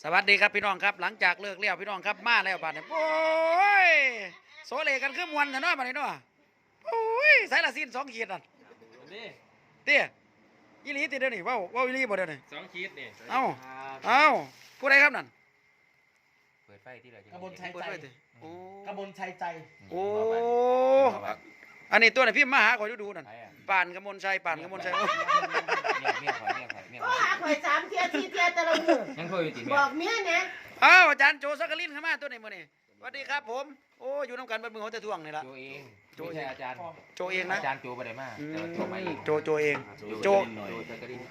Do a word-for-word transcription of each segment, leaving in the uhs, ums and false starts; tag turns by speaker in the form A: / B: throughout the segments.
A: สวัสดีครับพี่น้องครับหลังจากเลิกเลี้ยวพี่น้องครับมาแล้วบัดนี้โอ้ยโซเลกันคือมวนแต่น้อยบัดนี้เนาะโอ้ยสายละสิ้นสองขีดนั่น
B: นี่
A: เตี้ยยี่ลีติเดี๋ยวนี้ว้าวว้าวยี่ลีบ่เดี๋ยวนี้
B: สองขีดนี่
A: เอ้าเอ้าผู้ใดครับนั่น
B: เปิดไฟที่ไหน
C: กระบวนชัย
A: เปิด
C: ใจ
A: ไว้ติโอ้
C: กระบวนชัยใจ
A: โอ้อันนี้ตัวไหนพี่มาหาคอยดูดูนั่น
B: ใครอ่ะ
A: ป่านกมลชัยป่านกมลชัย
B: เมียเมียข่อยเมียข่อยเมีย
D: ก็
B: ข่อย
D: หาข่อยสามเทียสี่เทียแต่ละมือ
B: ยังคุยอยู่ติ
D: บ
B: เมีย
D: อกเมียเนี่ย
A: อ้าวอาจารย์โจสักกลินเข้ามาตัวไหนมื้อนี้สวัสดีครับผมโอ้อยู่น้ำกันเบิดมือเขาจะท่วงนี่ละ
B: โจเอง
A: โจ
B: ไม่
A: เอง
B: ใช่อาจารย์
A: โจเองนะ
B: อาจารย์โจไปไหนมา
A: อื
B: แต่ว่าโจมาเอ
A: ม
B: ง
A: โจโจเอง โจ
B: โจโจจักริน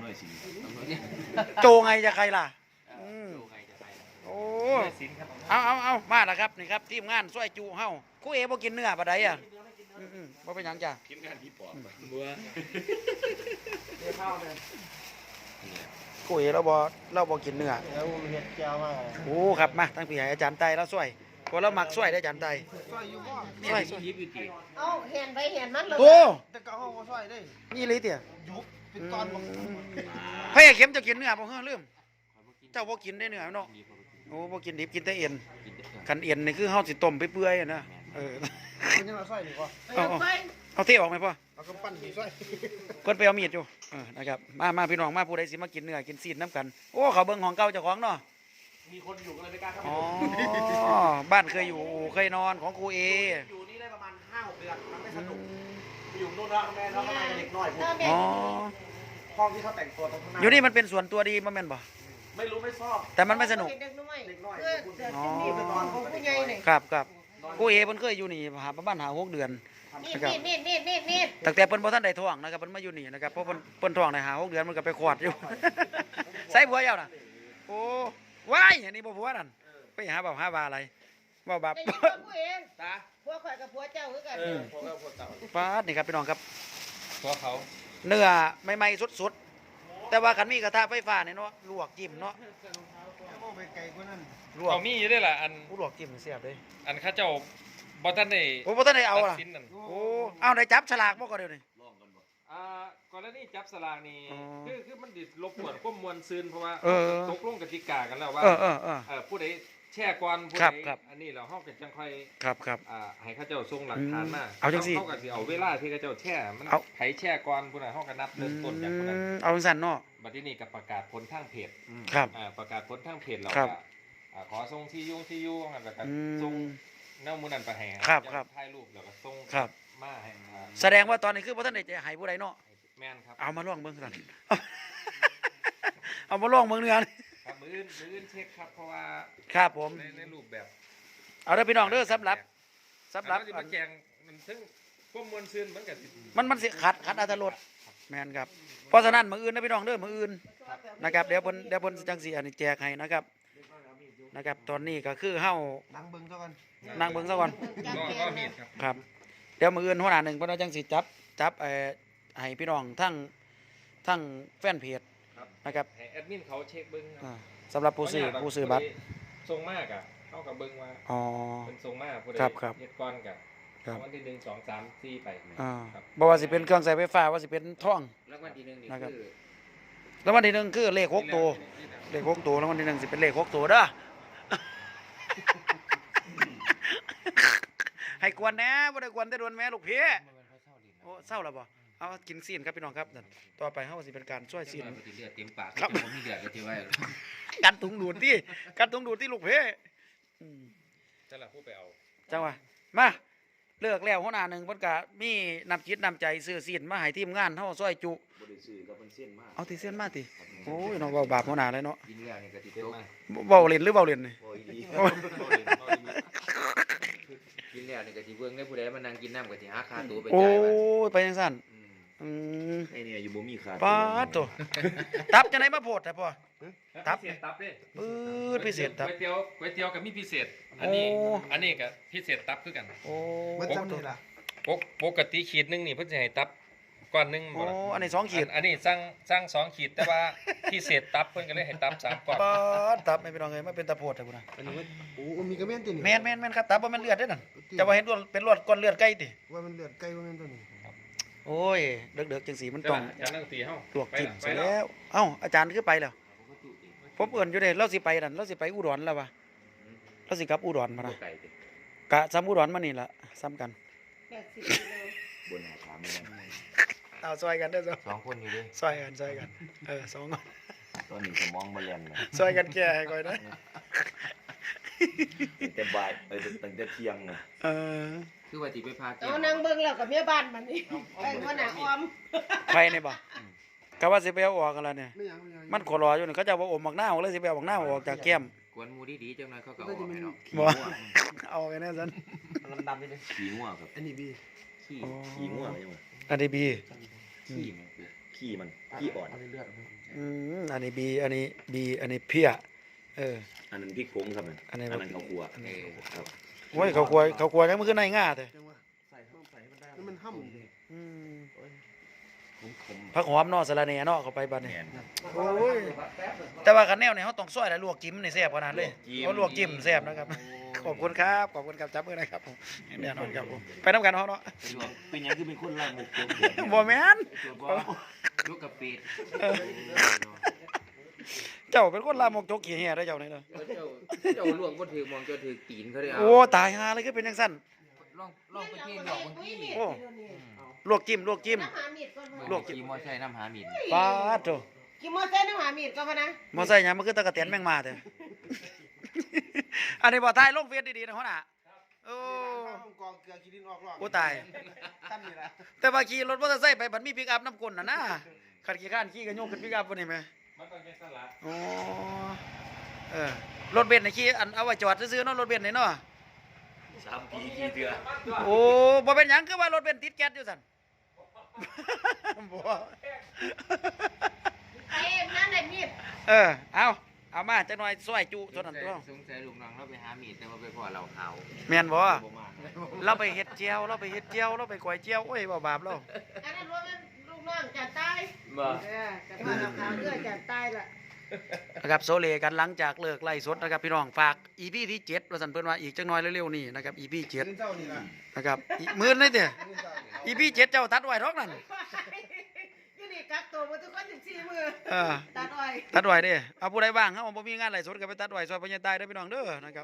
A: โจไงจะใครล่ะอืม
B: โจใครจะไป
A: โอ้
B: สินครับ
A: เอาเอาเอามาแล้วครับนี่ครับทีมงานช่วยจูเฮาครู่เอบ่กินเนื้อปะไดอ่ะอืมอืมบ่เป็นหยังจ้ะ
B: ทีมงานพี่ปอบบัว
C: เดี๋ยวเข้าเลย
A: ครู่เอเราบ่เราบ่กินเนื้อ
C: แล้วเห็ดแก้วมากเลย
A: โอ้ครับมาทั้งพี่ให้อาจารย์ไตเราช่วยพอเรามักช่วยได้อาจารย์ไต
C: ซอยอยู่บ่
A: ช่วยช่วย
B: ยิบอยู่ติ
D: เอาเห็นไปเห็นมันเลย
A: โอ้
C: แต่ก็เอาซอยได้
A: นี่เลยเตี่ย
C: ยุบเป็นตอนบ่
A: พระเอกเข้มจะกินเนื้อบ่เฮ้อลืมเจ้าบ่กินได้เนื้อเนาะโอ้บ่กินดิบกินแต่เอ็นคันเอ็นนี่คือเฮาสิต้มไปเปื่อยๆอะนะเออ
C: เป็นยังไงซอยนี่บ่
A: เอาเอา
D: ไป
A: เอาเทออกไหมพ่อ
C: เอากำปั้นสีซอย
A: เพิ่นไปเอามีดอยู่เออนะครับมามาพี่น้องมาผู้ใดสิมากินเนื้อกินซีดน้ำกันโอ้เขาเบิ่งของเก่าเจ้าของเนาะ
C: มีคนอยู่ก็เลยไม่กล้าเข้า
A: อ๋อบ้านเคยอยู่เคยนอนของครูเอ
C: อยู่นี่ได้ประมาณห้าหกเดือนมันไม่สนุกไปอยู่นู่นแล้วแม่น้องก็มาเด็กน้อยผม
D: เอาเด็ก
A: อ๋อ
C: ห้องที่เขาแต่งตัวตรงข้างหน้า
A: อยู่นี่มันเป็นส่วนตัวดีบ่แม่นบ่
C: ไม่รู้ไม่ชอบ
A: แต่มันไม่สนุก
D: เด็กน้อย
C: เด็กน้อย
D: เพื่อเสือจิ้งหรีดไปนอนของผู้ใหญ่เนี่ย
A: ครับครับครูเอเพิ่นเคยอยู่นี่หาประมาณหาหกเดือน
D: นี่นี่นี่นี่นี่นี่
A: ตั้งแต่เพิ่นบ่ทันได้ท้องนะครับเพิ่นมาอยู่นี่นะครับเพราะเพิ่นเพิ่นท้องได้หาหกเดือนมันก็ไปขวดอยู่ ใส่ผัวเจ้าน่ะโอ้ว้ายอันนี้บ่ผัวนั่นไปหาบ่าวหาบาอะไรบ่าวบาป
D: แต่ยังผู้เอง
C: ตา
D: ผัวข่อยกับผัวเจ้าคือกัน
C: เออพวกเราพวกเต่า
A: ปาดนี่ครับพี่น้องครับ
B: เพราะเขา
A: เนื้อใหม่ๆสดๆแต่ว่าคันมีกระทะไฟฟ้าเนี่ยเนาะลวกจิ้มเนาะ
C: แล้วก็ไปไกลกว่านั้น
A: ลวก
B: เอามีอยู่ด้วยล่ะอัน
A: ลวกจิ้มเสียบเลย
B: อันข้าเจ้าบ่ทันได้
A: โอ้บ่ทันได้เอา
B: ตั
A: ล่ะ
B: ดสินนั่น
A: โอ้เอาได้จับฉลากบ่ก็เดี๋ยวนี้
B: อ่ากรณีจับสลากนี่
A: อ๋อ
B: คือคือมันดิรบกวนความมวลซืนเพราะว่า
A: เออ
B: ตกลงกติกากันแล้วว่า
A: เออเออเออ
B: เอ่อผู้ใดแช่ก่อนผู้
A: ครับ
B: ใด
A: ครับ
B: อันนี้เราเฮาก็จังค่อย
A: ครับครับ
B: อ่าให้เขาเจ้าส่งหลักฐานมา
A: อืมเอาจังสิ
B: เขาก็สิเอาเวลาที่เขาเจ้าแช่มัน
A: เอา
B: ไผแช่ก่อนผู้นั้นเฮาก็นับ
A: อื
B: เริ่มต้นจากผู้นั้น
A: มเอาจังซั่นเนาะ
B: บัดนี้ก็ประกาศผลทางเพจ
A: ครับ
B: อ่าประกาศผลทางเพจเรา
A: ครับ
B: ก็อ่าขอส่งที่ยุ่งที่ยุ่งแล้วก็
A: อื
B: ส่ง
A: ม
B: แนวหมูนันไปให้
A: ครับครับ
B: ถ่ายรูปแล้วก็ส่ง
A: ครับ
B: มาให้อ่า
A: แสดงว่าตอนนี้คือบ่ทันได้จะให้ผู้ใดเนาะ
B: แม่นครับ
A: เอามาลองเบิ่งซั่น เอามาลองเบิ่งเนื้อนี่
B: ครับมืออื่นมืออื่นเช็คครับเพราะว่า
A: ครับผม
B: ในในรูปแบบ
A: เอาเด้อพี่น้องเด้อสำหรับสำหรับ
B: อันนั้นสิมาแจงมันถึงความมวลซืนมันก็สิ
A: มันมันสิขัดขัดอรรถรสแม่นครับเพราะฉะนั้นมื้ออื่นนะพี่น้องเด้อมื้ออื่นนะครับเดี๋ยวเพิ่นเดี๋ยวเพิ่นจังสิอันนี้แจกให้นะครับนะครับ ตอนนี้ก็คือเฮา
C: นั่งเบิ่งซะก่อน
A: นั่งเบิ่งซะก่อน
B: ก็ก็มีดครับ
A: ครับเดี๋ยวมื้ออื่นหัวหน้าหนึ่งเพิ่นเอาจังสิจับจับเอ่อให้พี่น้องทั้งทั้งแฟนเพจ
B: ครับ
A: นะครับ
B: ให้แอดมินเขาเช็คเบิ้งครับ
A: อ่าสำหรับผู้ซื้อผู้ซื้อบัตร
B: ทรงมากอ่ะเข้ากับเบิ้งว่า
A: อ๋อ
B: เป็นทรงมากผู้ใด
A: ครับครับ
B: เฮ็ดก้อนกับ
A: ครับ
B: วันที่หนึ่งสองสามสี่ไป
A: อ่า
B: ครับ
A: บ่ว่าสิเป็นเครื่องใช้ไฟฟ้าว่าสิเป็นท่อง
B: แล้ววันที่หนึ่งนี่
A: นะครับ
B: คือ
A: แล้ววันที่หนึ่งคือเลขหกตัวเลขหกตัวแล้ววันที่หนึ่งสิเป็นเลขหกตัวเด้อ ให้กวนแหน่บ่ได้กวนแต่โดนแม่ลูกพี่โอ้เศร้าแล้วบ่เอากินซีนครับพี่น้องครับนั่นต่อไปเฮาสิเป็นการช่วยซีน
B: เลือดเต็มปาก
A: ครับ
B: ผมมีเลือดก็ที่ไว้
A: กันถุงดูดที่กันถุงดูดที่ลูกพี่อืม
B: จะละผู้ไปเอา
A: จังหวะมาเลิกแล้วหัวหน้าหนึ่งเพิ่นก็มีน้ำจิตน้ำใจซื้อซีนมาให้ทีมงานเฮาซอยจุ
E: บริสุทธิ์กับเป็นเส้นมาก
A: เอาที่เส้นมาติโอ้ยน้องเว้าบาปหัวหน้าเลยเนาะ
B: กินแล้วนี่ก็ติดตัวมา
A: เว้าเล่นหรือเว้าเล่นนี่
E: โอ้ยดี
A: โอ้ย
B: กินแล้วนี่ก็สิเบิ่งได้ผู้ใดมานั่งกินน้ำก็สิหาค่าตัวไป
A: โอ้
B: จ่ายมัน
A: ยไปจังซั่น
B: อืม
A: อืม
E: ไอเนี่ยอยู่บ่มีขา
A: ปาดโตตับจังไดมาโพดแต่พ่อ ตับ
B: พิเศษตับเด้
A: ปื๊ดพิเศษตับ
B: ก๋วยเตี๋ยวก๋วยเตี๋ยวกับมีพิเศษ อันนี้
A: โอ้
B: อันนี้ก็พิเศษตับคือกัน
A: โอ้
C: มันจำนี่ล่ะ
B: ปกปกติขีดหนึงนี่เพิ่นสิให้ตับก้อนหนึง
A: โอ้
B: บ่ล่ะ
A: อันนี้สองขีด
B: อันอันนี้สั่งสั่งสองขีดแต่ว่า พิเศษตับเพิ่นก็เลยให้ตับสามก้อน
A: ปาดตับไม่เป็นรองเลยไม่เป็นตะโพดแต่พุ่นน่ะ
C: อันนี้ว่าโอ้มีกระเมียนตินี่
A: แม่นแม่นแม่นครับตับบ่แม่นเลือดเด้อนั่นจะว่าเห็นรวดเป็นรวดก้อนเลือดไก่ติ
C: ว่ามันเลือดไก่ว่ามันตัวนี้
A: โอ้ยเด็กๆจังสีมันต้อง
B: อาจารย์นั่งตีเฮา
A: ลวกจิ้ม
B: ไป
A: เสร็จ
B: ละ
A: แล้ว เอ้าอาจารย์คือไปแล้วผมเอิ้นอยู่เด้เราสิไปนั่นเราสิไปอุดรแล้ววะเราสิกลับอุดรมา
B: บ่
A: นะ
B: ไก่ติ
A: กะซ้ำอุดรมานี่ล่ะซ้ำกัน
D: แปดสิบกิโล
E: บนหาถามไม่ได้
A: เอาซอยกันเด้อ
B: สองคนอยู่เด้
A: ซอยกันซอยกันเออสองคน
E: ตอนนี้สมองบ่แล่นเลย
A: ซอยกันแก่ให้ก่อยนะ
E: ตั้งแต่บ่ายเอ้ยตั้งแต่เที่ยงน่ะ
A: เออ
B: คือว่าสิไปพาเกี่
D: เอานางเบิ่งแล้วกับเมียบ้านมันนี่ไอ้หัวหน้าออม
A: ใครนี่บ่กะว่าสิไปเอาออกกันแล้วเนี่ยมันขอรออยู่นี่เขาจะว่าอมบักหน้าวเลยสิไปเอาบักหน้าวออกจากแก้ม
B: กวนหมูดีๆจังหน่อยเขาก็เอาออกให้เนาะ
A: บ่เอาไปแน่ซั่น
B: ดำๆนิดนึง
E: ขี้ง่วงครับ
B: ขี้
E: ขี้ง่วงใช่ไหม
A: อันนี้บี
B: ขี้แม่ง
E: ขี้มันขี้อ่อน
A: อืมอันนี้บีอันนี้บีอันนี้เพี้ยเออ
E: อันนั้นพริกผงครับ
A: อั
E: อั
A: น
E: น
A: นี้
E: นั้นเขาครัว
B: เออ
E: ครับ
A: โอ้ยเขากลัวเขากลัวจังมันคือในง่าแท้
C: มันห้ำ
A: อืม
E: ผมผม
A: ผักหอมเนาะสะระแหน่เนาะเข้าไปบัดนี้
E: แม่นครับ
A: โอ้ยแต่ว่าคันแนวนี่เฮาต้องซอยแล้วลวกจิ้มนี่แซ่บขนาดเลยเอาลวกจิ้มแซ่บนะครับ ขอบคุณครับขอบคุณครับจับมือนะครับผมแน่นอนครับผมไปนํกันเฮาเนาะ
E: เป็นหลวงเป็นหยังคือเป็นคนล่างมุกโกง
A: บ่แม่น
B: ลูกกะปิด
A: เจ้าเป็นคนลามกจกขี้แห่ได้อเจ้านี่เด้อ
B: เจ้าเจ้าลวงบ่ถือมองเจ้าถือตีนเขาได้เอา
A: โอ้ตายห่าเลยคือเป็นจังซั่น
B: ลองลองไปที่ดอกบางที
A: โอ้ ลวกจิ้มลวกจิ้ม
D: น้ำหามีดก่อน
B: ลวกขี่มอไซค์น้ำหาหมิ่น
A: ปาดโต
D: กินมอเตอร์น้ำหามีดก่อนพะนะ
A: มอไซค์หยังมันคือตะกะเตียนแมงมาแท้ อันนี้บ่ทายลงเฟซดีๆนะหัวหน้าโอ้
C: กองเกลือกินดินออกรอบ
A: โอ้ตาย
C: ตั้นนี่ละ
A: แต่ว่าขี่รถมอเตอร์ไซค์ไปบัดมีปิกอัพน้ำกลน่ะนะขัดขี่ข้านขี่ก็โยกขึ้นปิกอัพบ่นี่แหม
B: มันต้องแค่สลัด
A: อ๋อเออรถเบนซ์นี่ขี่อันเอาไว้จอดซื่อๆเนาะรถเบนซ์นี่เนาะ
E: สามปีกี่เดือน
A: โอ้บ่เป็นหยังคือว่ารถเบนซ์ติดแก๊สอยู่ซั่น บ่
D: ไอ้นั่นไอ้มีด
A: เออเอาเอามาจักหน่อยซอยจุเท่านั้นตัว
B: สงสัยลูกน้องเราไปหาหมิ่นแต่ว่าไปพอเราขาว
A: แม่นบ่
E: บ่มาก
A: เราไปเฮ็ดเจียวเราไปเฮ็ดเจียวเราไปก๋วยเจียวโอ้ยบ่บาปเรา
D: อันนั้นว่ามันลูกน้องจะตาย
B: บ่
D: เออจะพาเราขาวเลือดจะตายละ
A: นะครับโซเลกันหลังจากเลิกไล่สดนะครับพี่น้องฝาก อี พี ที่เจ็ดว่าซั่นเพิ่นว่าอีกจักหน่อยเร็วๆนี่นะครับ อี พี เจ็ด
C: กินเจ้านี่ละ
A: นะครับอีมื้อนี่ติ
C: กินเจ้านี่
A: อี พี เจ็ดเจ้าตัดไว้ทอกนั่น
D: ยี่นี่กักตัวมาทุกคนสิบสี่มือ
A: เออ
D: ตัดอ้อย
A: ตัดไว้เด้เอาผู้ใดว่างเฮาบ่มีงานไล่สดก็ไปตัดไว้ซอยพ่อใหญ่ตายเด้อพี่น้องเด้อนะครับ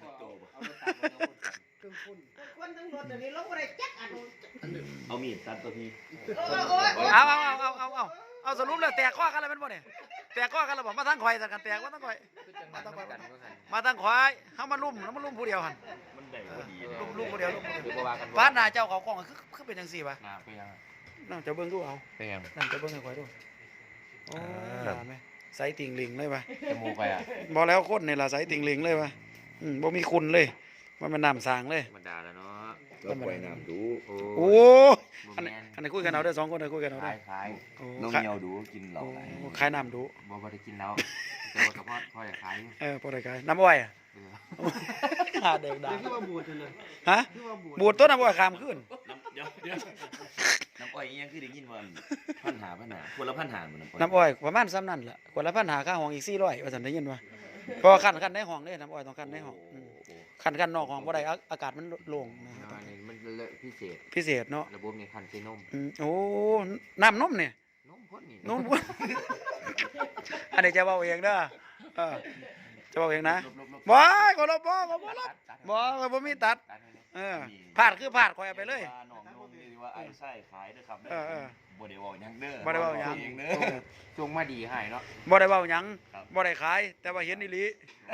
D: คนทั้งรถเดี๋ยวนี้ลงอะไรจักอันนู้น
E: เอามีดตัดตัวพี่
D: โอ้ยโอ้ยโอ้ย
A: เอาเอาเอาเอาเอาเอาเอาสรุปแล้วแตกข้อกันแล้วแม่นบ่เนี่ยแตกข้อกันแล้วบ่มาทางข่อยซะกันแตกมาทางข่อย
B: คือจังนั้นเหมือนกันว่าซั่น
A: มาทางข่อยเฮามาลุ่มแล้วมาลุ่มผู้เดียวหั่น
E: มันได้พอดีเลย
A: ลุ่มลุ่มผู้เดียวลุ่มผู้เดียว
B: คือบ่ว่ากัน
A: ฟ้าหน้าเจ้าเขากล้องคือคือเป็นจังซี่วะ
B: หน้าไปยัง
A: นั่งเจ้าเบิ่งดูเอา
B: ไปยัง
A: นั่งเจ้าเบิ่งให้ข่อยดูโอ้หน้าแม่ใส่ติ่งหลิงเลยวะ
B: จมูกไปอ่ะ
A: บ่แล้วคนนี่ล่ะใส่ติ่งหลิงเลยวะอืมบ่มีคุณเลยมันเป็นน้ำสางเลย
B: ธรรมดาแล้วเนาะ
E: ก็ปล่อยน้ำดู
B: โอ้
A: โอ้
B: บ่
A: อัน
B: แม่
A: นี้
B: น
A: อันนี้คุยกันเอาเด้อสองคนเด้อคุยกันเอา
B: ค
A: เด้
B: ล้า
A: อย
B: คล้าย
A: โอ้
E: น้อง
A: ขาย
E: เมียวดูกินเหล้า
A: โอ้
E: ไหล
A: ขายน้ำดู
B: บ่บ่ได้กินแล้วแต่ว่าก็พอพออยากขายอยู่
A: เออพอได้ขายน้ำอ้อยอ่ะ
B: เออ
A: หาเด็กด่า
C: คือว่าบูดเลย
A: ฮะบูดต้นน้ำอ้อยขามขึ้น
E: น้ำเดี๋ยวเดี๋ยวน้ำอ้อยอีหยังคือได้ยินว่าพันหาพันหาคนละพันหาเหมือนน้ำอ้อย
A: น้ำอ้อยประมาณซ้ำนั่นแหละคนละพันหาค่าห้องอีกสี่ร้อยว่าสันได้ยินว่าเพอขั้นขั้นในห้องเด้น้ำอ้อยต้องขั้นในห้องอืมขั้นขั้นนอกห้องบ่ได้อาอากาศมันโล่งนะ
B: แล้วอันนี้มันเลอะพิเศษ
A: พิเศษเนาะ
B: ระบบในคันใช้นม
A: อืมโอ้น้ำนมเนี่ย
B: นมพ่นนี่
A: นม อันนี้จะเบาเองเด้อเออจะเบาเองนะบ่ก็ลบบ่ก็บ่ลบบ่ก็บ่มีตัด
B: ตัดให้เลย
A: เออพลาดคือพลาดคอยเอาไปเลย
E: ว่าน้องนมนี่ว่าไอ้ไส้ขายเด้อครับ
A: เออเออ
E: บ่ได้เว้าหยังเด้อ
A: บ่ได้เว้าหยัง
E: เองเด้อ
B: จงมาดีให้เนาะ
A: บ่ได้เว้าหยัง
E: ครับ
A: บ่ได้ขาย แต่ว่าเห็นอีหลี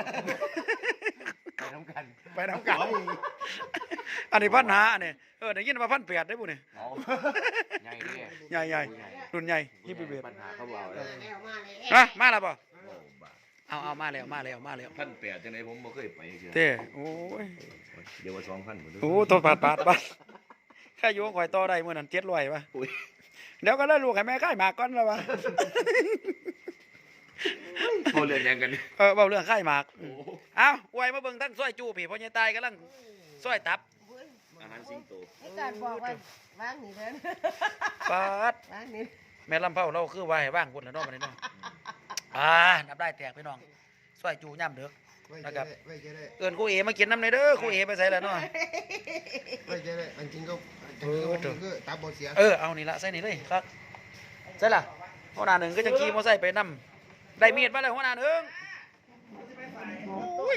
B: ไปน้ำกัน
A: ไปน้ำกันอันนี้พันหาอันนี้เออได้ยินว่าพันแปดได้บุนี่
B: เอา ใหญ่เลย
A: ใหญ่ใหญ่รุ่นใหญ่ยี่สิบเอ็ด
B: ปัญหาเขาบอกเลย
D: แล้วมาเลย
A: ฮะมาแล้วป่ะเอาเอามาแล้วมาแล้วมาแล้ว
E: พันแปดจังไดผมบ่เคยไปเทื่อ
A: เต้โอ้ย
E: เดี๋ยวว่าสองพันหมดเด้
A: โอ้ตัวปาดปาดปาดแค่อยู่ข่อยต่อได้มื้อนั้นเจ็ดร้อยป่ะ
E: อุ้ย
A: เดี๋ยวก็เลยลูกให้แม่ค่ายหมากก่อนแล้วป่ะ
E: โทรเรื่องหยังกันนี่
A: เออเว้าเรื่องค่ายหมากอืมเอาอวยมาเบิ่งทั้งซอยจูพี่พ่อใหญ่ตายกำลังซอยตับ
E: อาหารสิงโต
D: ไอ้การบอกว่าวางนี่เด้อ
A: ปาด
D: วางนี่
A: แม่ลำเผาเราคือว่าให้ว่างพุ่นแล้วเนาะบัดนี้เนาะอ่านับได้แตกพี่น้องซอยจูย่ำเด้อ นะครับ
C: ไว้ใจได้
A: เอิ้นครูเอมากินน้ำหน่อยเด้อครูเอไปใส่แล้วเนาะ
C: ไว้ใจได้อันจริงก็อันจริงก็มันคือตาบอดเสีย
A: เออเอานี่ละใส่นี่เลยครับใส่ละหัวหน้าหนึ่งก็จะขี่มอไซค์ไปนำได้มีดมาเลยหัวหน้าหนึ่ง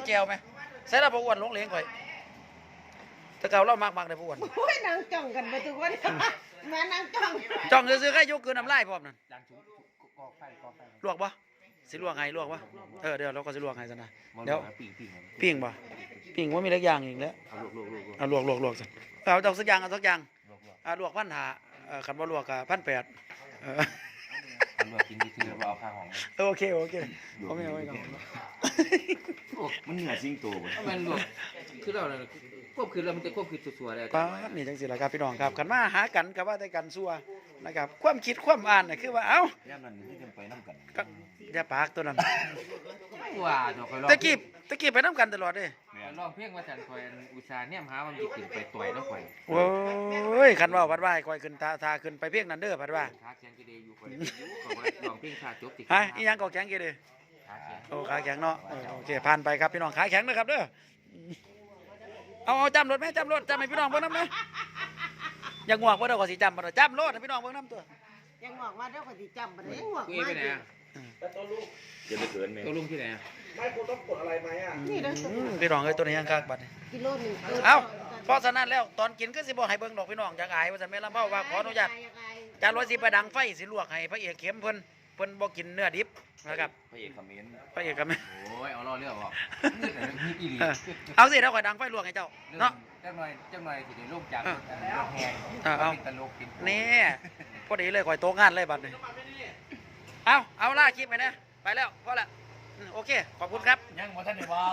A: แจวไหมใส่แล้วบ่อ้วนลงเหลงข่อยแต่เก่าเรามากๆเลยบ่อ้วน
D: โอ้ยนางจ้องกันบ่ทุกคนมานางจ้อง
A: จ้องซื้อๆแค่ยกคืนน้ำลายพร้อมนั่น
C: ยางชุบกอกไฟกอกไฟ
A: ลวกบ่สิลวกให้ลวกบ่เออเดี๋ยวเราก็สิลวกให้ซะนะ
E: มัน
A: เดี๋ยว
E: ปีกปีกมัน
A: ปิ้งบ่ปิ้งว่ามีหลายอย่างอีกแล้ว
E: เอาลวกลวกลวกลวก
A: เอาลวกลวกลวกซะเอาจักสักอย่างเอาสักอย่าง
E: ลวกลวก
A: อ่าลวกพันหาเอ่อคันบ่ลวกก็พันแปดเออ
E: เอาลวกกินที่ที่เราเอาข้าวหอม
A: เออโอเคโอเคเอาไม่เอาไว้ก่อน
E: โอ้มันเหนือซิงโตบ่
C: มันรวมคือเราเนี่ยควบคือเรามันจะควบคือสัวๆเลย
A: ป้าดนี่จังสิล่ะครับพี่น้องครับคันมาหากันก็ว่าแต่กันซัวนะครับความคิดความอ่านน่ะคือว่าเอ้า
E: ย่ามนั้นคือจังไปนํกัน
A: ก็อย่าปากตัวนั้น
C: ว่าเนาะคอยลอง
A: ตะกี้ตะกี้ไปนํกันตลอดเด้
E: แม่
C: ลองเพียงว่าจันคอยอุตส่าห์เนี่ยหามันสิขึ้นไปต่อยเนาะคอย
A: โอ้ยคันว่าวัดว่าให้คอยขึ้นทาทาขึ้นไปเพียงนั้นเด้อพัดว่า
C: ขาแข็งกี่เดย์อยู่คอยอยู่ก็ว่าลองเพียงชาจบติ
A: ฮะอีหยังก็แข็งกี่เด้อ
C: ขาแข็ง
A: โอ้ขาแข็งเนาะเออโอเคผ่านไปครับพี่น้องขาแข็งนะครับเด้อเอาเอาจำรถไหมจำรถจำให้พี่น้องเบิ่งนำไหมอย่างงวกบ่ได้ก็สิจำบ่ได้จำรถให้พี่น้องเบิ่งนำตัว
D: ยังบอกว่าเดี๋ยวก็สิจำบ่ได้ยังบอก
C: กูเอ
D: มา
C: ไปไหนอ่ะ
E: จะไปเกินแม่
C: ตัวลุงที่ไหนอ่ะ
D: นี่เด้อ
A: อืมพี่น้องเอ้ยตัวนี้ยังคักบัดนี้
D: กิโลหนึง
A: เอ้าเพราะฉะนั้นแล้วตอนกินก็สิบ่ให้เบิ่งดอกพี่น้องจักอายว่าซั่นแม่ลำเผาว่าขออนุญาตจานร้อยสิไปดังไฟสิลวกให้พระเอกเข้มเพิ่นเพิ่นบ่กินเนื้อดิบนะครับ
E: พระเอกคอมเมนต์
A: พระเอกก็แม่
C: โอ้ยเอาล่อเรื่องออกมีอีหลี
A: เออเอาสิเดี๋ยวข่อยดังไฟลวกให้เจ้าเนาะ
C: จังหน่อยจังหน่อยสิได้ลงจากรถแหง
A: เออเอา
C: ตลกกิน
A: นี่พอดีเลยข่อยโตงานเลยบัดนี้เอาเอาล่าคลิปไปนะไปแล้วพอละอืมโอเคขอบคุณครับ
C: ยังบ่ทันได้เว้า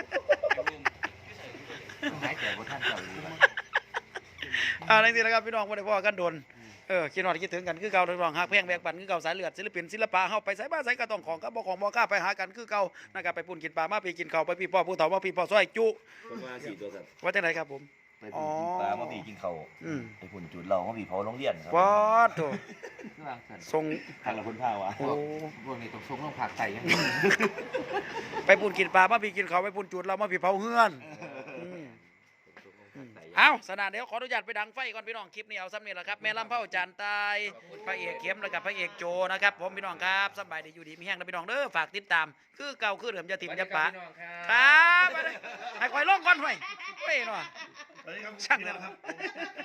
E: ต้องหายใจบ่ทันเจ้าเลยบัด
A: อ่าในที่นะครับพี่น้องบ่ได้พ่อกันโดนเออคิดฮอดคิดถึงกันคือเก่าพี่น้องฮักแพงแบกบันคือเก่าสายเลือดศิลปินศิลปะเฮาไปไสบ้านไสก็ต้องของกับบ่ของบ่กล้าไปหากันคือเก่านะครับไปปุ่นกินปลามาไปกินข้าวไปพี่พ่อผู้เฒ่ามาพี่พ่อซอยจุ
E: เพิ่นว่าสี่ตัวครับ
A: ว่าจังไดครับผม
E: ไปพุ่นกินปลามาบีกินข้าว
A: อืม
E: ไปพุ่นจุดเรามาบีเผาโรงเรียนครับ
A: ป๊อดโต
C: คือวางซั่น
A: ส่ง
E: ทางละคนพาวะ
A: โอ้
C: พวกนี้ต้องส่งลงผักใส่ยัง
A: ไปปุ่นกินปลามาพี่กินข้าวไปปุ่นจุดเรามาพี่เผาเฮือนอืมอืมเอาสนานเดี๋ยวขออนุญาตไปดังไฟก่อนพี่น้องคลิปนี้เอาซ้ำนี่แหละครับแม่ลำเผาจานตายพระเอกเข้มแล้วกับพระเอกโจนะครับผมพี่น้องครับสบายดีอยู่ดีมีแห้งนะพี่น้องเด้อฝากติดตามคือเก่าคือเดิมจะถิ่มจะปะครับไปเลยให้คอยลงก่อนไว้เว้ยหน่อยช่างเลยครับ